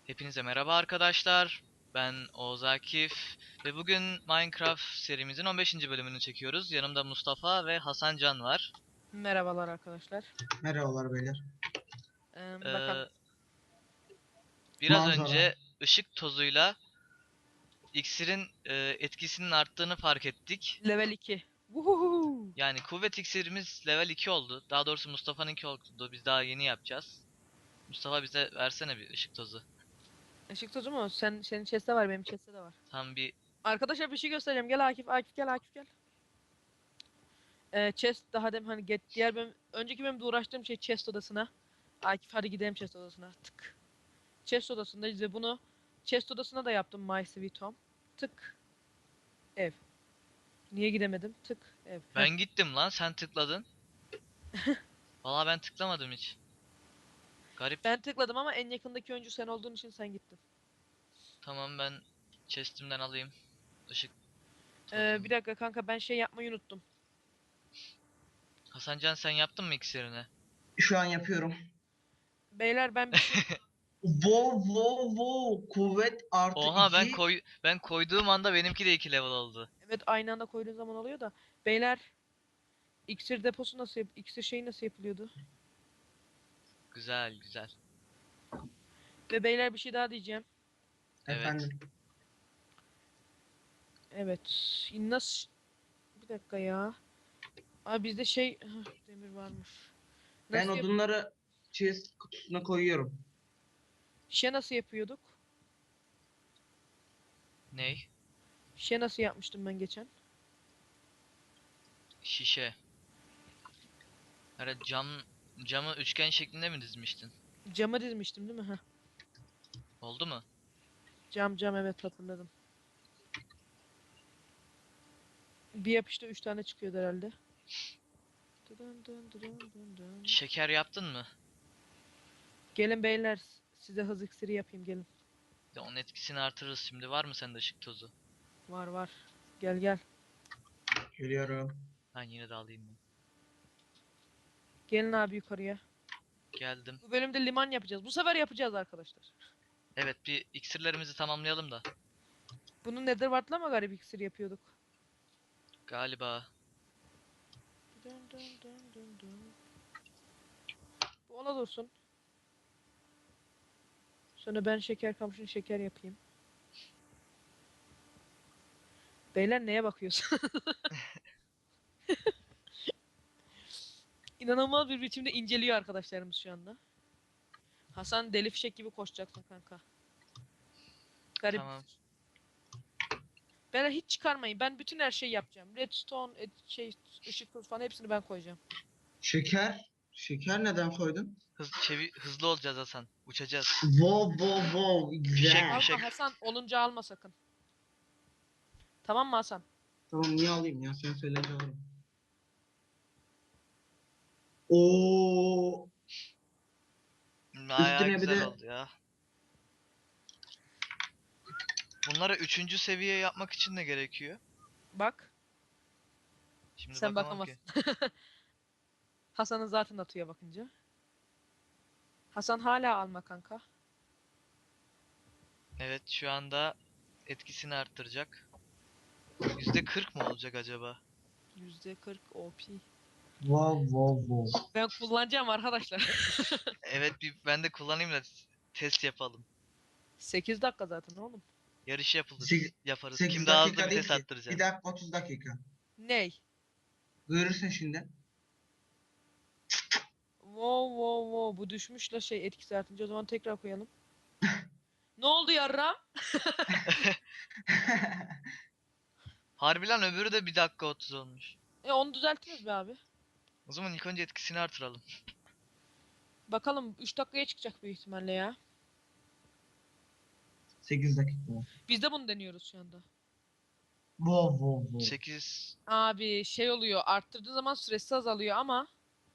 Hepinize merhaba arkadaşlar. Ben Oğuz Akif ve bugün Minecraft serimizin 15. bölümünü çekiyoruz. Yanımda Mustafa ve Hasan Can var. Merhabalar arkadaşlar. Merhabalar beyler. Ee, Bakalım. Biraz Manzara. önce ışık tozuyla iksirin etkisinin arttığını fark ettik. Level 2. Vuhuhu. Yani kuvvet iksirimiz level 2 oldu. Daha doğrusu Mustafa'nınki oldu. Biz daha yeni yapacağız. Mustafa bize versene bir ışık tozu. Işık tozu mu? Senin chest'te var, benim chest'te de var. Tam bir Arkadaşlar bir şey göstereceğim. Gel Akif, Akif gel, Akif gel. Chest daha dem hani diğer benim önceki benim de uğraştığım şey chest odasına. Akif hadi gidelim chest odasına. Tık. Chest odasındayız ve bunu chest odasına da yaptım My Sweet Home. Tık. Ev. Niye gidemedim? Tık. Ev. Heh. ben gittim lan, sen tıkladın. Vallahi ben tıklamadım hiç. Garip. Ben tıkladım ama en yakındaki oyuncu sen olduğun için sen gittin. Tamam, ben chest'imden alayım ışık Bir tozunu. dakika kanka, ben şey yapmayı unuttum. Hasancan, sen yaptın mı iksirini? Şu an yapıyorum. Beyler ben bir şey Wow wow wow. Kuvvet artı Oha, 2. ben koyduğum anda benimki de 2 level oldu. Evet, aynı anda koyduğun zaman oluyor da. Beyler, iksir deposu nasıl iksir şeyi nasıl yapılıyordu? Güzel güzel. Ve beyler bir şey daha diyeceğim. Evet. Efendim. Evet. Nasıl bir dakika ya. Abi bizde şey demir varmış. Ben Nasıl odunları chest kutusuna koyuyorum. şey nasıl yapıyorduk? Ney? Şey nasıl yapmıştım ben geçen? Şişe. Herhalde camı üçgen şeklinde mi dizmiştin? Cama dizmiştim değil mi? Heh. Oldu mu? Cam evet, hatırladım. Bir yapışta 3 tane çıkıyordu herhalde. Dın dın dın dın dın. Şeker yaptın mı? Gelin beyler, size hız iksiri yapayım, gelin. De onun etkisini artırırız şimdi. Var mı sende ışık tozu? Var var. Gel gel. Geliyorum. Ben yine de alayım ben. Gelin abi yukarıya. Geldim. Bu bölümde liman yapacağız. Bu sefer yapacağız arkadaşlar. Evet, bir iksirlerimizi tamamlayalım da. Bunu Netherward'la mı garip iksir yapıyorduk? Galiba. Dın dın dın dın dın. Bu ona dursun. Sonra ben şeker kamışını şeker yapayım. Beyler neye bakıyorsun? İnanılmaz bir biçimde inceliyor arkadaşlarımız şu anda. Hasan deli fişek gibi koşacaksın kanka. Garip. Tamam. Beyler hiç çıkarmayın. Ben bütün her şeyi yapacağım. Redstone, şey, ışık kılıç falan hepsini ben koyacağım. Şeker. Şeker neden koydun? Hızlı olacağız Hasan. Uçacağız. Wow wow wow. Fişek Güzel. fişek. Alma Hasan, olunca alma sakın. Tamam mı Hasan? Tamam niye alayım ya? Sen söyleyince alırım. Oo. Bayağı Üstüne bir güzel de oldu ya. Bunları üçüncü seviye yapmak için ne gerekiyor? Bak. Şimdi Sen bakamam ki. bakamazsın. Hasan'ın zaten atıyor bakınca. Hasan hala alma kanka. Evet, şu anda etkisini arttıracak. %40 mı olacak acaba? %40 OP. wow wow wow. Ben kullanacağım arkadaşlar. Evet, ben de kullanayım da test yapalım. 8 dakika zaten oğlum. Yarış Sek- yaparız. Kim 8 daha hızlı dakika değil vites ki. 1 attıracak? dakika 30 dakika. Ney? Görürsün şimdi. Wow wow wow, bu düşmüş la şey etkisi artınca, o zaman tekrar koyalım. Ne oldu yarram? Harbi lan, öbürü de 1 dakika 30 olmuş. Onu düzeltiriz be abi. O zaman ilk önce etkisini artıralım. Bakalım 3 dakikaya çıkacak büyük ihtimalle ya. 8 dakika. Biz de bunu deniyoruz şu anda. Wow wow wow. 8. Abi şey oluyor, arttırdığı zaman süresi azalıyor ama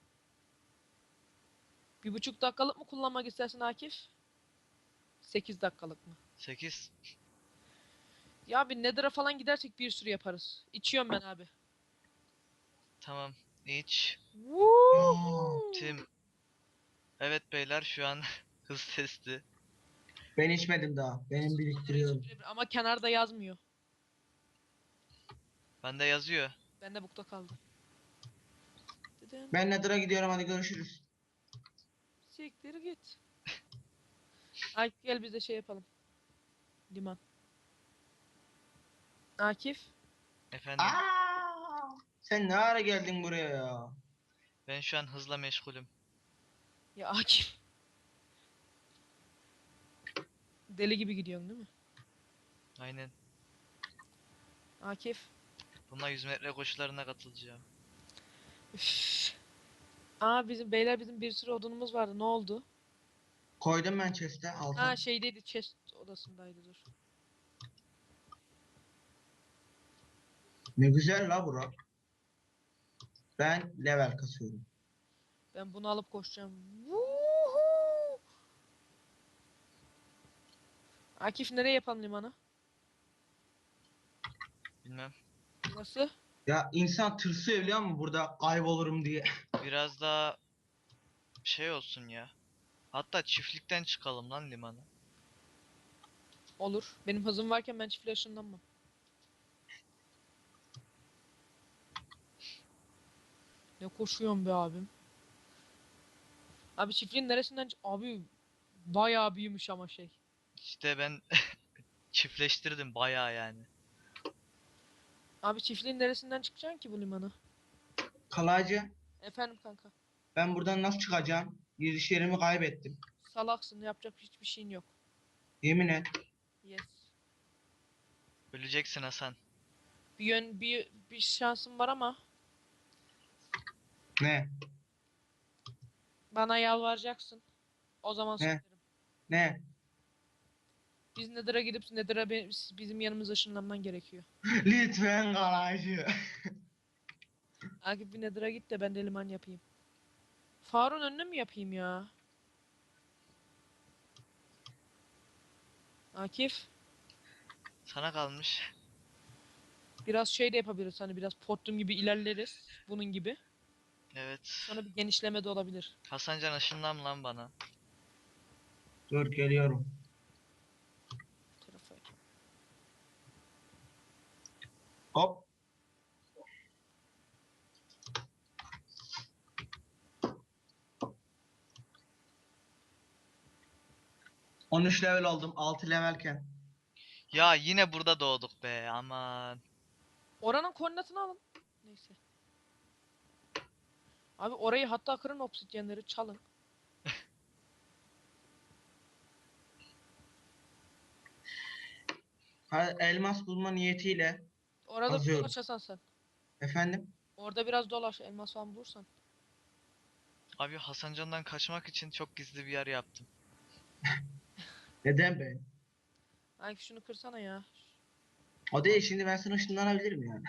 1,5 dakikalık mı kullanmak istersin Akif? 8 dakikalık mı? 8. Ya bir Nether'a falan gidersek bir sürü yaparız. İçiyorum ben abi. Tamam. İç. Aa, Woohoo! Tim. Evet beyler, şu an hız testi. Ben içmedim daha. Benim biriktiriyorum. Ama kenarda yazmıyor. Bende yazıyor. Bende bukta kaldı. Dedin. Ben Nether'a gidiyorum, hadi görüşürüz. Siktir git. Akif gel biz de şey yapalım. Liman. Akif. Efendim. Sen ne ara geldin buraya ya? Ben şu an hızla meşgulüm. Ya Akif. Deli gibi gidiyorsun değil mi? Aynen. Akif. Bununla 100 metre koşularına katılacağım. Üff. Aa bizim beyler bizim bir sürü odunumuz vardı. Ne oldu? Koydum ben chest'e Ha alta. şeydeydi chest odasındaydı dur. Ne güzel la bura. Ben level kasıyorum. Ben bunu alıp koşacağım. Vuhuu! Akif nereye yapalım limanı? Bilmem. Nasıl? Ya insan tırsıyor biliyor musun burada kaybolurum diye. Biraz daha şey olsun ya. Hatta çiftlikten çıkalım lan limana. Olur. Benim hızım varken ben çiftliğe ışınlanmam. Ne koşuyorsun be abim? Abi çiftliğin neresinden abi bayağı büyümüş ama şey. İşte ben çiftleştirdim bayağı yani. Abi çiftliğin neresinden çıkacaksın ki bu limana? Kalaycı, Efendim kanka. ben buradan nasıl çıkacağım? Giriş yerimi kaybettim. Salaksın yapacak hiçbir şeyin yok. Yemin et. Yes. Öleceksin Hasan. Bir şansım var ama Ne? bana yalvaracaksın. O zaman Ne? söylerim. Ne? Biz Nether'a gidip Nether'a bizim yanımıza ışınlanman gerekiyor. Lütfen kalaycı. Akif bir Nether'a git de ben de liman yapayım. Faruk'un önüne mi yapayım ya? Akif Sana kalmış. biraz şey de yapabiliriz hani biraz Portum gibi ilerleriz bunun gibi. Evet. Sonra bir genişleme de olabilir. Hasancan ışınlan lan bana. Dur geliyorum. Bu tarafa. Hop. On üç level oldum. 6 levelken. Ya yine burada doğduk be aman. Oranın koordinatını alın. Neyse. Abi orayı hatta kırın obsidyenleri çalın. Elmas bulma niyetiyle Orada bir kazıyorum. dolaş Hasan sen. Efendim? Orada biraz dolaş elmas falan bulursan. Abi Hasancan'dan kaçmak için çok gizli bir yer yaptım. Neden ben? Akif şunu kırsana ya. O değil, şimdi ben sana ışınlanabilirim yani.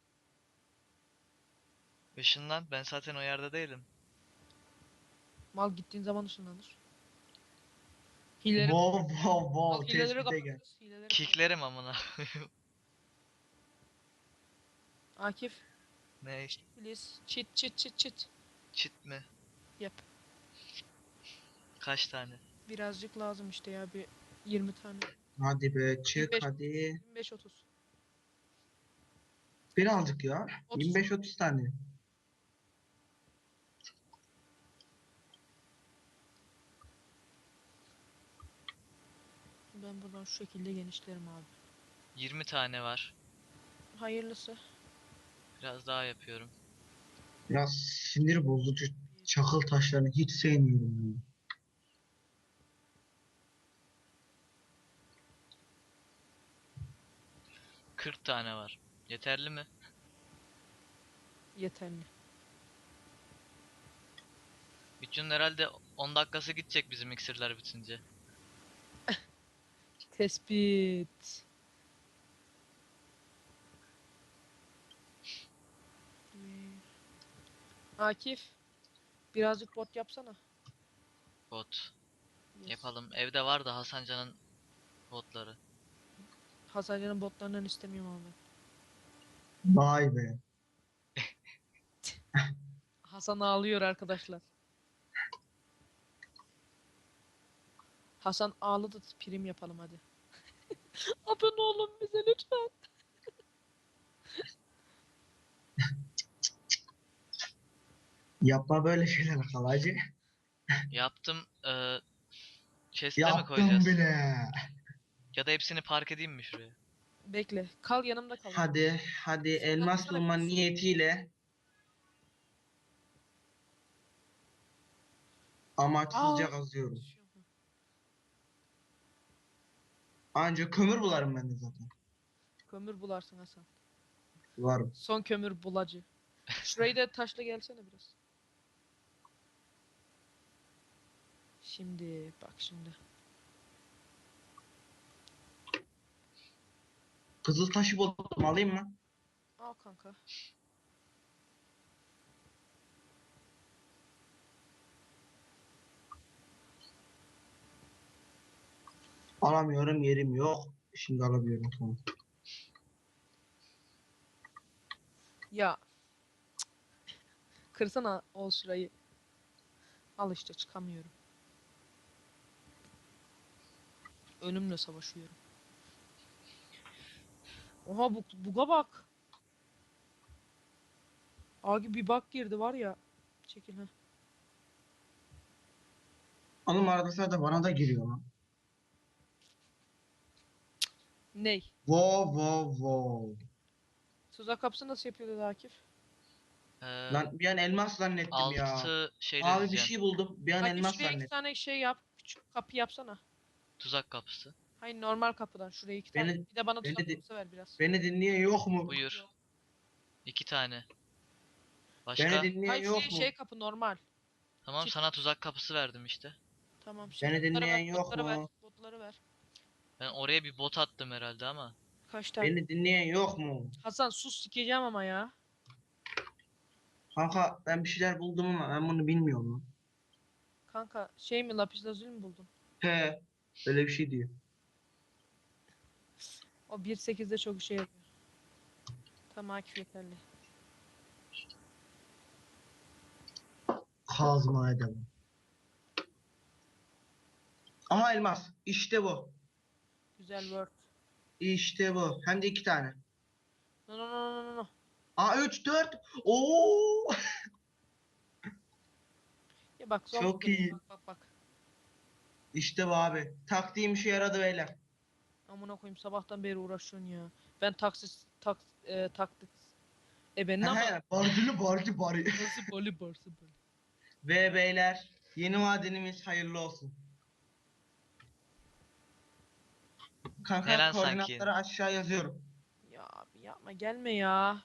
Işınlan, ben zaten o yerde değilim. Mal gittiğin zaman ışınlanır. Hileleri, Wow wow al wow, hileleri tespite gel. kapatırız. Hileleri kapat. Kicklerim amına. Akif, Ne? please. Cheat. Çit mi? Yap. Kaç tane? Birazcık lazım işte ya bir 20 tane. Hadi be çık 25, hadi. 25 30. Birazcık ya. 30. 25-30 tane. Ben buradan şu şekilde genişlerim abi. 20 tane var. Hayırlısı. Biraz daha yapıyorum. Biraz sinir bozucu çakıl taşlarını hiç sevmiyorum ya. 40 tane var. Yeterli mi? Yeterli. Bütün herhalde 10 dakikası gidecek bizim iksirler bitince. Tespit. Akif, birazcık bot yapsana. Bot. Yes. Yapalım. Evde var da Hasancan'ın botları. Hasancan'ın botlarından istemiyorum abi. Vay be. Hasan ağlıyor arkadaşlar. Hasan ağladı, prim yapalım hadi. Abone olun bize lütfen. Yapma böyle şeyler kalacı. Yaptım. Chest'e mi Yaptım koyacağız? bile. Ya da hepsini park edeyim mi şuraya? Bekle. Kal yanımda kal. Hadi elmas Saklanmasana bulma kız. niyetiyle Aa. amaçsızca kazıyorum. Anca kömür bularım ben de zaten. Kömür bularsın Hasan. Bularım. Son kömür bulacı. Şurayı da taşla gelsene biraz. Şimdi bak şimdi. Kızıl taşı buldum, alayım mı? Al kanka. Alamıyorum, yerim yok. Şimdi alabiliyorum, tamam. Ya kırsana ol şurayı. Al işte çıkamıyorum. Ölümle savaşıyorum. Oha buga bak. Abi bir bug girdi var ya. Çekil ha. Oğlum arada sırada bana da giriyor lan. Ney? Wow. Tuzak kapısı nasıl yapıyordu Akif? Ee, Lan bir an elmas zannettim ya. 6 şeyle Abi bir diyeceksin. şey buldum. Bir an Akif elmas şuraya iki zannettim. tane şey yap. Küçük kapı yapsana. Tuzak kapısı. Hayır normal kapıdan şuraya iki tane. Beni Bir de bana beni, tuzak di- kapısı ver biraz. beni dinleyen yok mu? Buyur. 2 tane. Beni Başka? dinleyen Hayır şuraya yok şey mu? kapı normal. Tamam, Çift. sana tuzak kapısı verdim işte. Tamam şey Beni botları ver. dinleyen yok Botları ver. mu? Botları ver. Ben oraya bir bot attım herhalde ama. Kaç tane? Beni dinleyen yok mu? Hasan sus sikeceğim ama ya. Kanka ben bir şeyler buldum ama ben bunu bilmiyorum lan. Kanka şey mi lapis lazuli mi buldun? He, öyle bir şey diyor. O 1.8'de çok işe yarıyor. Tamam Akif yeterli. Kazma edemem. Aha elmas. İşte bu. Güzel word. İşte bu. Hem de 2 tane. No. Aa 3 4. Oo! Ya bak zombi Çok geliyor. iyi. Bak. İşte bu abi. Taktiğim işe yaradı beyler. Amına koyayım sabahtan beri uğraşıyorsun ya. Ben taklit. He Benim ama he. Barcılı bari. nasıl bali barsı bali. Ve beyler yeni madenimiz hayırlı olsun. Ne Kanka lan sanki? koordinatları aşağı yazıyorum. Ya abi yapma gelme ya.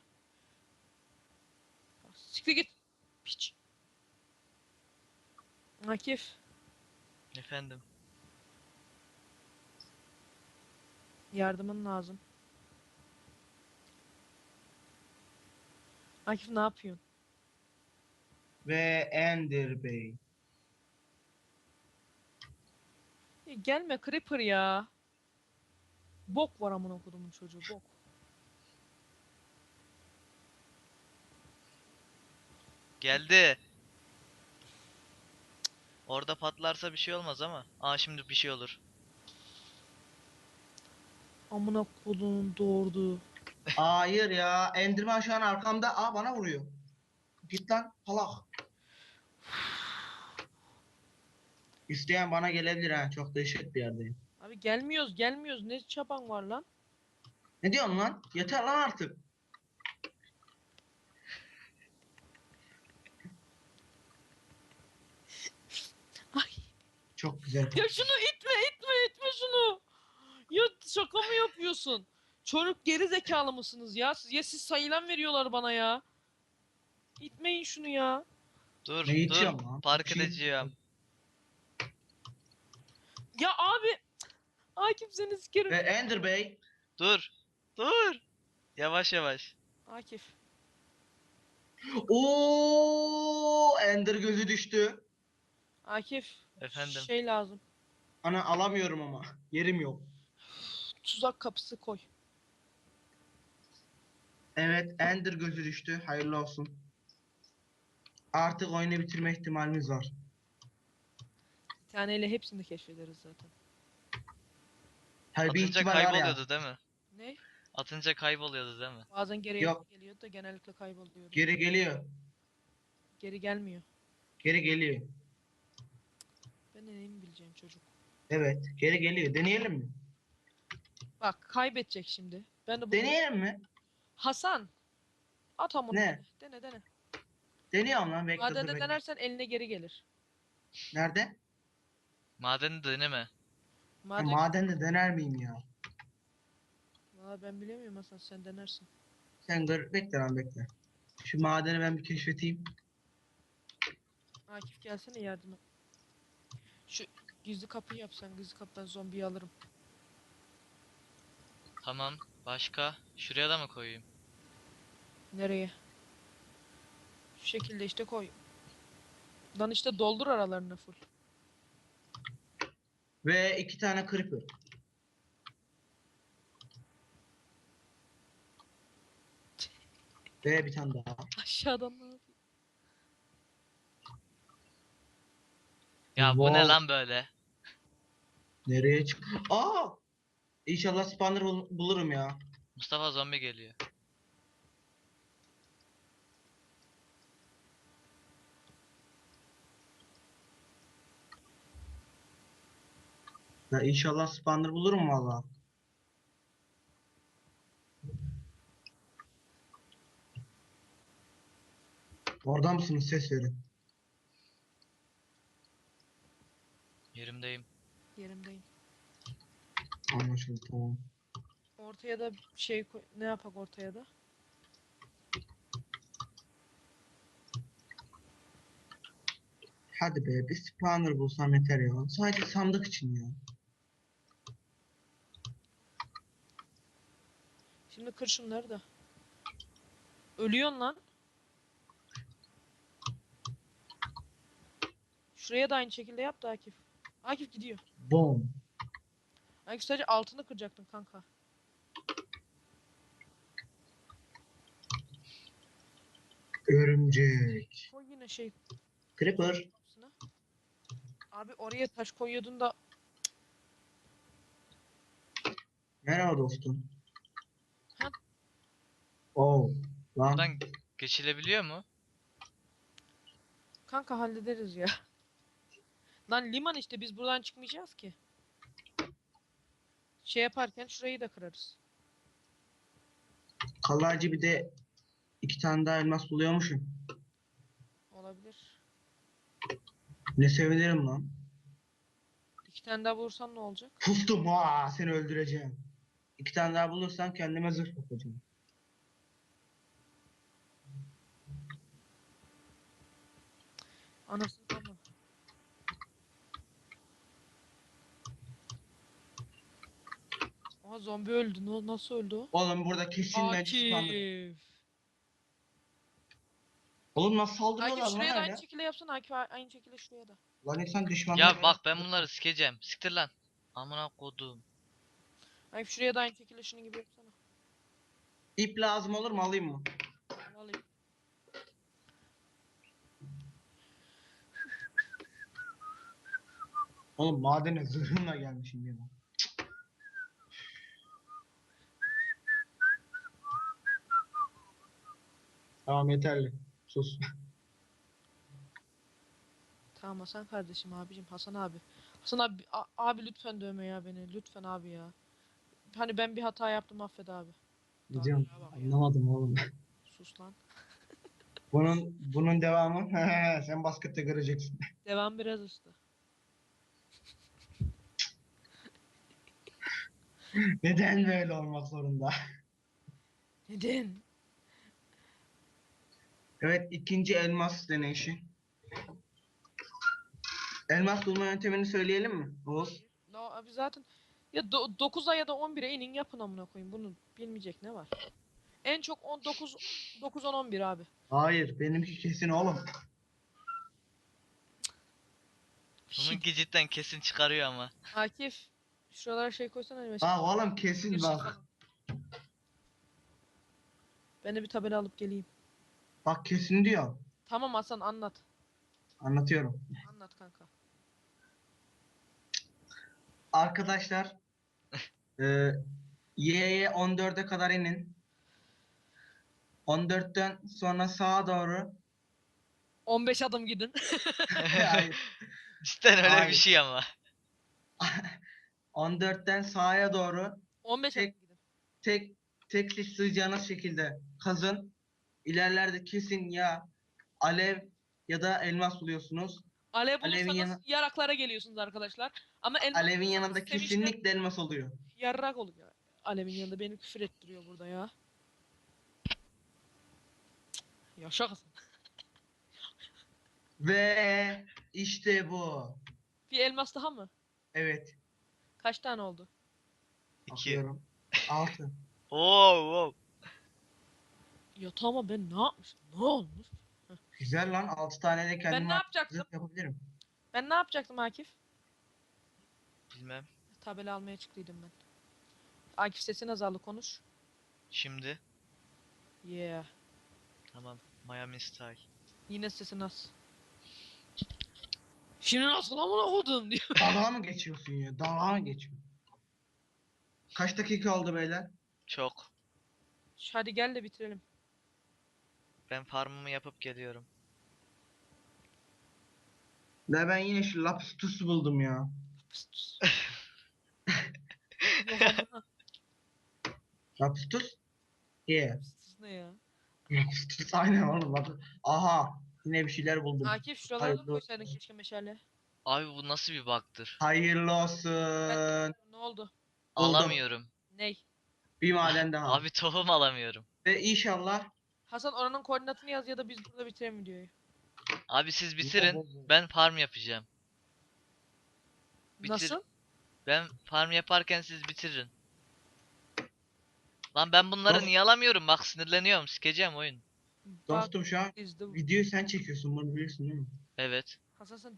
Siktir git. Piç. Akif. Efendim. Yardımın lazım. Akif ne yapıyorsun? Ve Ender Bey. Ya gelme Creeper ya. Bok var amına kodumun çocuğu bok. Geldi. Orada patlarsa bir şey olmaz ama. Aa, şimdi bir şey olur. Amına kodumun doğurduğu. Hayır ya. Enderman şu an arkamda. Aa bana vuruyor. Git lan salak. İsteyen bana gelebilir ha. Çok dehşet bir yerdeyim. Abi gelmiyoruz. Ne çaban var lan? Ne diyorsun lan? Yeter lan artık. Ay. Çok güzel. Ya şunu itme şunu. Ya şaka mı yapıyorsun? Çocuk geri zekalı mısınız ya? Siz sayılan veriyorlar bana ya. İtmeyin şunu ya. Dur, Ne dur. itiyorum lan? Bir Park şey... edeceğim. Ya abi. Akif seni Ve sikerim. Ender Bey. Dur. Dur. Yavaş yavaş. Akif. Oo, Ender gözü düştü. Akif. Efendim. Şey lazım. Ana alamıyorum ama. Yerim yok. Tuzak kapısı koy. Evet, Ender gözü düştü. Hayırlı olsun. Artık oyunu bitirme ihtimalimiz var. taneyle hepsini keşfederiz zaten. Tabii bir Atınca ihtimal var ya. kayboluyordu değil mi? Ne? Atınca kayboluyordu değil mi? Bazen geri Yok. geliyordu da genellikle kayboluyordu. Geri geliyor. Geri gelmiyor. Geri geliyor. Ben de neyimi bileceğim çocuk. Evet. Geri geliyor. Deneyelim mi? Bak kaybedecek şimdi. Ben de bunu... Deneyelim mi? Hasan! At amına. Ne? Dene. Deniyorum lan. Bekle dur Madende bekle. denersen eline geri gelir. Nerede? Madeni deneme. Ha, Maden... madende dener miyim ya? Valla ben bilemiyorum Hasan, sen denersin. Sen bekle lan bekle. Şu madeni ben bir keşfedeyim. Akif gelsene yardıma. Şu gizli kapıyı yapsan, gizli kapıdan zombiyi alırım. Tamam. Başka? Şuraya da mı koyayım? Nereye? Şu şekilde işte koy. Lan işte doldur aralarını full. Ve 2 tane creeper. Ve bir tane daha. Aşağıdan ne yapayım? Ya bu ne Wow. lan böyle? Nereye çık? Aa! İnşallah spawner bulurum ya. Mustafa zombi geliyor. Ya inşallah spawner bulurum valla. Orada mısınız? Ses verin. Yerimdeyim. Yerimdeyim. Anlaşıldı tamam. Ortaya da şey koy. Ne yapak ortaya da? Hadi be bir spawner bulsam yeter ya. Sadece sandık için ya. Şimdi kır şunları da. Ölüyorsun lan. Şuraya da aynı şekilde yap da Akif. Akif gidiyor. Boom. Akif sadece altını kıracaktın kanka. Örümcek. Koy yine şey Creeper. kapısına. Abi oraya taş koyuyordun da Merhaba dostum. Ha? Oh. Lan. Buradan geçilebiliyor mu? kanka hallederiz ya. Lan liman işte, biz buradan çıkmayacağız ki. Şey yaparken şurayı da kırarız. Kalaycı bir de 2 tane daha elmas buluyormuşum. Olabilir. Ne sevinirim lan. 2 tane daha vursam ne olacak? Pustum ha seni öldüreceğim. 2 tane daha bulursam kendime zırh yapacağım. Anasını ama. Aa zombi öldü. Nasıl öldü o? Oğlum burada kesin bence spawner. Akif. Oğlum nasıl Akif saldırıyorlar lan şuraya da aynı öyle? şekilde yapsana. Akif aynı şekilde şuraya da. Lan insan düşmanına Ya bak ben bunları sikeceğim. Siktir lan. Amına kodum. Akif şuraya da aynı şekilde şunun gibi yapsana. İp lazım olur mu alayım mı? Al alayım. Oğlum madene zırhımla gelmişim ya. Tamam yeterli. Sus. Tamam Hasan kardeşim, abicim, Hasan abi. Hasan abi, abi lütfen dövme ya beni. Lütfen abi ya. Hani ben bir hata yaptım, affet abi. Ne diyorsun? Daha ya bak ya. Anlamadım oğlum. Sus lan. Bunun devamı sen baskette göreceksin. Devam biraz usta. Neden böyle olmak zorunda? Neden? Evet ikinci elmas deneyişi. Elmas bulma yöntemini söyleyelim mi? Oğuz. No, abi zaten ya 9'a ya da 11'e inin yapın amına koyayım. Bunu bilmeyecek ne var? En çok 19 9 10 11 abi. Hayır benimki kesin oğlum. Bununki cidden kesin çıkarıyor ama. Akif şuralara şey koysana hani mesela. Bak oğlum kesin Bir şey bak. falan. Ben de bir tabela alıp geleyim. Bak kesin diyor. Tamam Hasan, anlat. Anlatıyorum. Anlat kanka. Arkadaşlar e, Y'ye 14'e kadar inin. 14'ten sonra sağa doğru. 15 adım gidin. Hayır. Cidden öyle bir Hayır. şey ama. 14'ten sağa doğru 15 adım tek gidin. tek tek siz sığacağınız şekilde kazın. İlerlerde kesin ya alev ya da elmas buluyorsunuz. Alev Alevin bulursanız yanı yaraklara geliyorsunuz arkadaşlar. Ama elmas alevin bulursanız yanında sevinçten kesinlikle elmas oluyor. yarrak oluyor. Alevin yanında beni küfür ettiriyor burada ya. Yaşa kızım. Ve işte bu. Bir elmas daha mı? Evet. Kaç tane oldu? 2. Bakıyorum. 6. Oo, wow. Yatağıma ben ne yapmışım? Ne olmuş? Güzel lan. 6 tane de Ben kendime ne yapacaktım? zırh yapabilirim. Ben ne yapacaktım Akif? Bilmem. Tabela almaya çıktıydım ben. Akif sesin azaldı konuş. Şimdi. Yeah. Tamam. Miami Style. Yine sesin az. Şimdi nasıl amına kodum diyor. Dalga mı geçiyorsun ya? Dalga mı geçiyorsun? Kaç dakika oldu beyler? Çok. Hadi gel de bitirelim. Ben farmımı yapıp geliyorum. Ne ben yine şu Lapis buldum ya. Pıs pıs. Yok amına. Lapis? Yeah. Pıs pıs ne ya? Lapis aynen oğlum bak. Aha. Yine bir şeyler buldum. Akif şuralara da Hayırlı koysaydın olsun. keşke meşale. Abi bu nasıl bir bug'tır? Hayırlı Ben olsun. ne oldu? Buldum. Alamıyorum. Ney? Bir maden daha. Abi tohum alamıyorum. Ve inşallah Hasan oranın koordinatını yaz ya da biz burada bitirelim videoyu. Abi siz bitirin. Ben farm yapacağım. Bitir. Nasıl? Ben farm yaparken siz bitirin. Lan ben bunları Dost- niye alamıyorum? Bak sinirleniyorum. Sikeceğim oyun. Bak dostum şu an is the... videoyu sen çekiyorsun bunu biliyorsun değil mi? Evet. Hasan sen...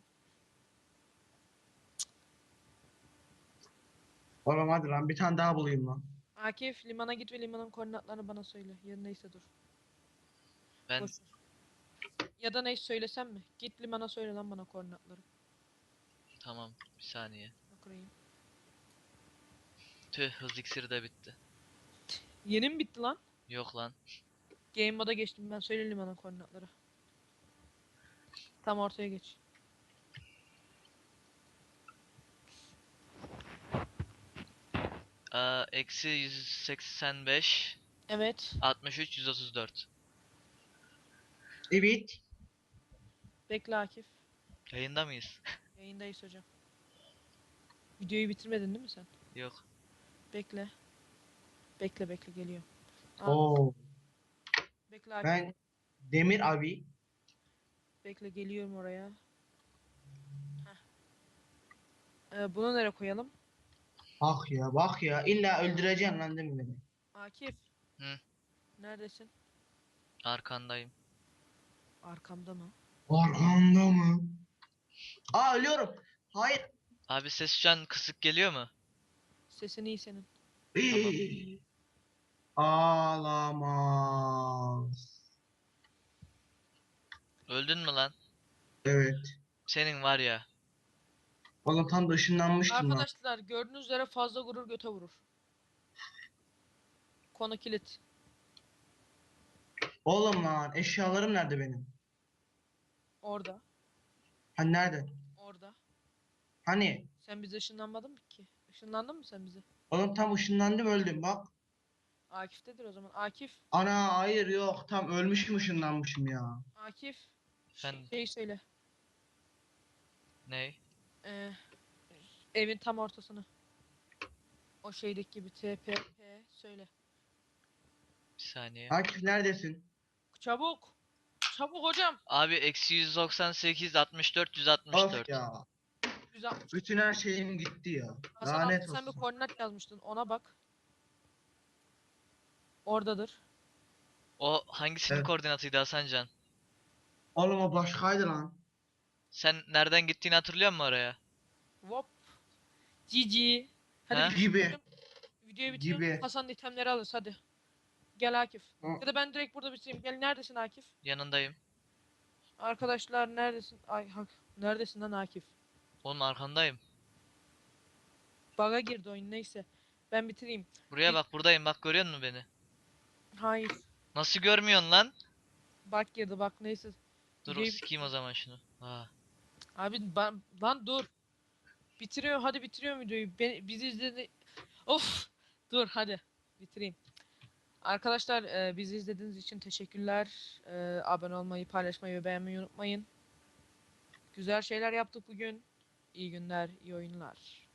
Oğlum hadi lan bir tane daha bulayım lan. Akif limana git ve limanın koordinatlarını bana söyle. Ya neyse dur. Ben Boş ver. Ya da neyse söylesem mi? Git limana söyle lan bana koordinatları. tamam. Bir saniye. Bakayım. Tüh hız iksiri de bitti. Yeni mi bitti lan? Yok lan. Game moda geçtim ben söyle limana koordinatları. Tam ortaya geç. Eksi 185, Evet. 63, 134. Evet. Bekle Akif. Yayında mıyız? Yayındayız hocam. Videoyu bitirmedin değil mi sen? Yok. Bekle. Bekle bekle geliyor. Aa, Oo. bekle Akif. Ben Demir abi. Bekle geliyorum oraya. Heh. Bunu nereye koyalım? Bak ya bak ya illa öldüreceksin lan değil mi beni? Akif. Hı. Neredesin? Arkandayım. Arkamda mı? Arkanda mı? Aa ölüyorum. Hayır. Abi ses şu an kısık geliyor mu? Sesin iyi senin. Tamam. Ağlamaz. Öldün mü lan? Evet. Senin var ya. Oğlum tam da ışınlanmıştım lan. Arkadaşlar gördüğünüz üzere fazla gurur göte vurur. Konu kilit. Oğlum lan eşyalarım nerede benim? Orada. Hani nerede? Orada. Hani? Sen bize ışınlanmadın mı ki? Işınlandın mı sen bize? Oğlum tam ışınlandım öldüm bak. Akif'tedir o zaman. Akif. Ana hayır yok tam ölmüşüm ışınlanmışım ya. Akif. Ben Şey söyle. ney? Ee, evin tam ortasını. O şeydeki gibi TPP söyle. Bir saniye. Akif neredesin? Çabuk. Çabuk hocam. Abi eksi 198, 64, Of 164. ya. 160. Bütün her şeyim gitti ya. Hasan Lanet altta sen bir olsun. koordinat yazmıştın. Ona bak. Oradadır. O hangisinin Evet. koordinatıydı Hasancan? Oğlum o başkaydı lan. Sen nereden gittiğini hatırlıyor musun oraya? Hop. GG. Hadi Ha? videoyu Gibi. bitirelim. Videoyu bitirelim. Gibi. Hasan itemleri alırız hadi. Gel Akif. Hı. Ya da ben direkt burada bitireyim. Gel neredesin Akif? Yanındayım. Arkadaşlar neredesin? Ay hak. Neredesin lan Akif? Oğlum arkandayım. Bug'a girdi oyun, neyse. Ben bitireyim. Buraya bak, buradayım, bak görüyor musun beni? Hayır. Nasıl görmüyorsun lan? Bug girdi bak, neyse. Dur Videoyu sikeyim o zaman şunu. Ha. Abi lan dur. Bitiriyor, hadi bitiriyorum videoyu. Bizi izledi. Of. Dur hadi. Bitireyim. Arkadaşlar bizi izlediğiniz için teşekkürler. Abone olmayı, paylaşmayı ve beğenmeyi unutmayın. Güzel şeyler yaptık bugün. İyi günler, iyi oyunlar.